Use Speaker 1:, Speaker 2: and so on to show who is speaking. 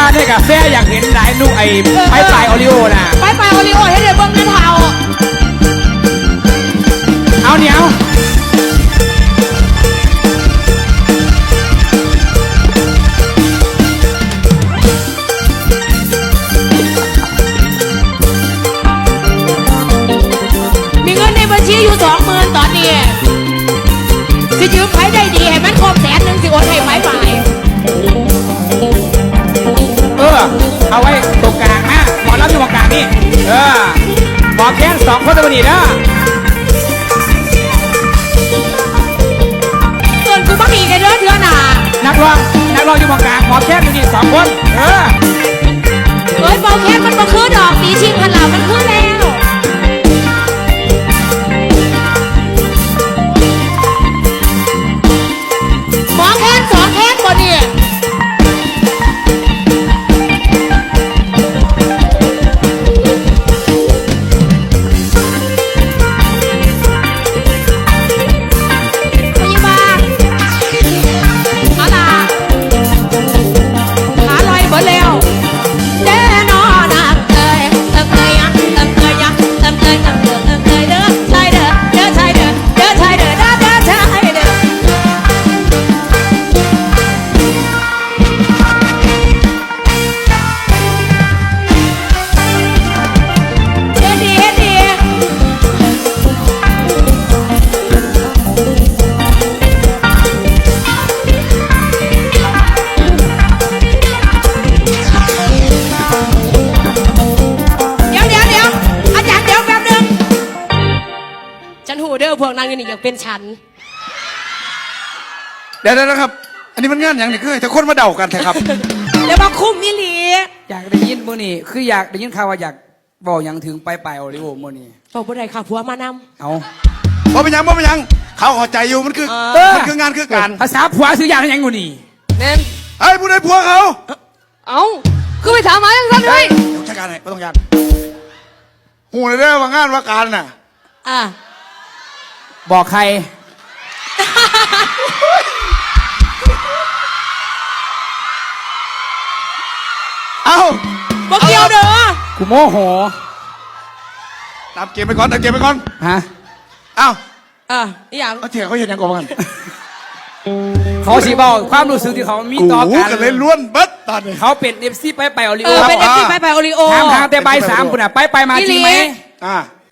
Speaker 1: ในกาแฟอยากเห็นหลายลูกไอ้ไปปลายโอริโอน่ะ
Speaker 2: ไปโอริโอให้เดี๋ยวเบิ้งหน้าเทา
Speaker 1: เอาเหนียว
Speaker 2: มีเงินในบัญชีอยู่20,000ตอนนี้สิยืมไผได้ดีให้มันครบ100,000สิโอนให้ไผไป
Speaker 1: เอาไว้ตรงกลางนะหมอรับอยู่ตรงกลางนี่หมอแค้น2 คนตัวนี้นะ
Speaker 2: ส่วนกูบักอีกไอ้เด้อเถื่อหนา
Speaker 1: นักร้องอยู่ตรงกลางหมอแค้นอยู่นี่2 คน
Speaker 2: เฮ้ยเบาแค้นมันบ่คือดอกสีชิงพันเหล่ามันคือแล้วหมอแค้น2 แค้นบ่เนี่ยพวกนางนี่อยากเป็นฉัน
Speaker 3: เดี๋ยวนะครับอันนี้มันงานอย่างนี้คือแต่คนมาเดากันแท้ครับ
Speaker 2: เดี๋ยวมาคุ้มมิลี
Speaker 1: อยากได้ยินโมนี่คืออยากได้ยินข่าวว่าอยากบอกอย่างถึงไปโอริโอโมนี่
Speaker 2: บอกบ่ได้ค่ะผัวมานำ
Speaker 1: เอา
Speaker 3: บ่เป็นยังเขาเข้าใจอยู่มันคืองานคือการ
Speaker 1: ภาษาผัวซื้อยางยังกูนี่
Speaker 2: เน้น
Speaker 3: ไอ้ผู้ใดผัวเขา
Speaker 2: เอาคือไปถามมาอย่างนั้นเลย
Speaker 3: เดี๋ยวจัดการให้ไม่ต้องยากหูเลยได้ว่างานว่าการน่ะ
Speaker 1: บอกใคร
Speaker 3: เอา
Speaker 2: บอกเกี่ยวเด้อ
Speaker 1: กูโมโห
Speaker 3: ตามเกมไปก่อน
Speaker 1: ฮะ
Speaker 3: เอา
Speaker 2: อย่าง
Speaker 3: เถียงเขาเห็นยังก่อนกัน
Speaker 1: เขาสิบอกความรู้สึกที่เขามีต่อกัน
Speaker 3: เลยล้วนเบิดตอนนี้
Speaker 1: เขาเป็นเอฟซีไปโอริโอ
Speaker 2: เป็นเอฟซีไปโอริโอ
Speaker 1: ถามทางแต่ใบ3ปุ่นไปมาจริงไหม